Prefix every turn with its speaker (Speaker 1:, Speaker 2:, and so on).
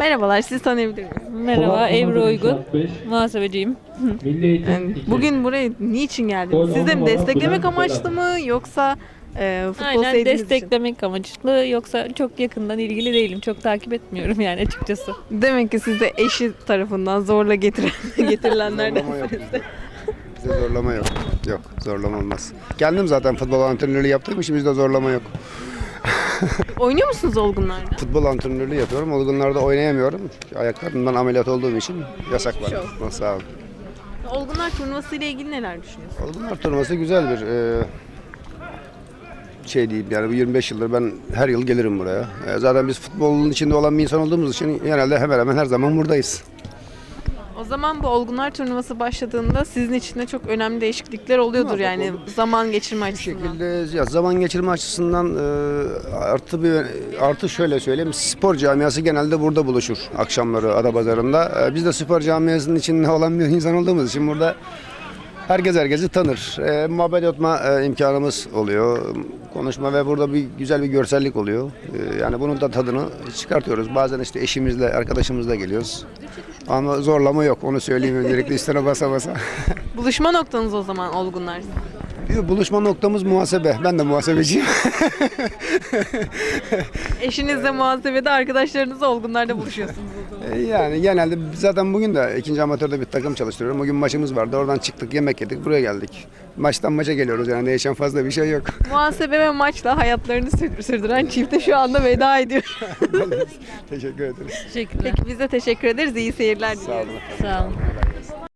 Speaker 1: Merhabalar, sizi tanıyabilir miyim?
Speaker 2: Merhaba, Ebru Uygun. Muhasebeciyim.
Speaker 1: Bugün buraya niçin geldiniz? Siz de mi desteklemek amaçlı mı yoksa futbol
Speaker 2: Aynen
Speaker 1: sevdiğiniz için?
Speaker 2: desteklemek amaçlı. Yoksa çok yakından ilgili değilim. Çok takip etmiyorum yani açıkçası.
Speaker 1: Demek ki siz de eşi tarafından zorla getirilenlerden.
Speaker 3: Zorlama yok bizde. Bizde zorlama yok. Yok, zorlama olmaz. Kendim zaten futbol antrenörlüğü yaptığım için bizde zorlama yok.
Speaker 1: Oynuyor musunuz olgunlarda?
Speaker 3: Futbol antrenörlüğü yapıyorum. Olgunlarda oynayamıyorum. Ayaklarımdan ameliyat olduğum için yasak var. Sağ olun.
Speaker 1: Olgunlar turnuvası ile ilgili neler düşünüyorsunuz?
Speaker 3: Olgunlar turnuvası güzel bir şey diyeyim yani bu 25 yıldır ben her yıl gelirim buraya. Zaten biz futbolun içinde olan bir insan olduğumuz için genelde hemen hemen her zaman buradayız.
Speaker 1: O zaman bu olgunlar turnuvası başladığında sizin için de çok önemli değişiklikler oluyordur yani zaman geçirme
Speaker 3: Bu
Speaker 1: açısından.
Speaker 3: şekilde ya zaman geçirme açısından artı şöyle söyleyeyim, spor camiası genelde burada buluşur akşamları Adapazarı'nda. Biz de spor camiasının içinde olan bir insan olduğumuz için burada herkes herkesi tanır. Muhabbet etme imkanımız oluyor. Konuşma ve burada bir güzel bir görsellik oluyor. Yani bunun da tadını çıkartıyoruz. Bazen işte eşimizle, arkadaşımızla geliyoruz. Ama zorlama yok. Onu söyleyeyim öncelikle üstüne basa basa.
Speaker 1: Buluşma noktanız o zaman olgunlar.
Speaker 3: Bir buluşma noktamız muhasebe. Ben de muhasebeciyim.
Speaker 1: Eşinizle muhasebede, arkadaşlarınızla olgunlarda buluşuyorsunuz o zaman.
Speaker 3: Yani genelde zaten bugün de ikinci amatörde bir takım çalıştırıyorum. Bugün maçımız vardı. Oradan çıktık, yemek yedik, buraya geldik. Maçtan maça geliyoruz yani değişen fazla bir şey yok.
Speaker 1: Muhasebe ve maçla hayatlarını sürdüren çifte şu anda veda ediyor.
Speaker 3: Teşekkür ederiz.
Speaker 2: Teşekkürler.
Speaker 1: Peki biz de teşekkür ederiz. İyi seyirler
Speaker 3: Sağ
Speaker 1: diliyoruz.
Speaker 3: olun.
Speaker 2: Sağ olun.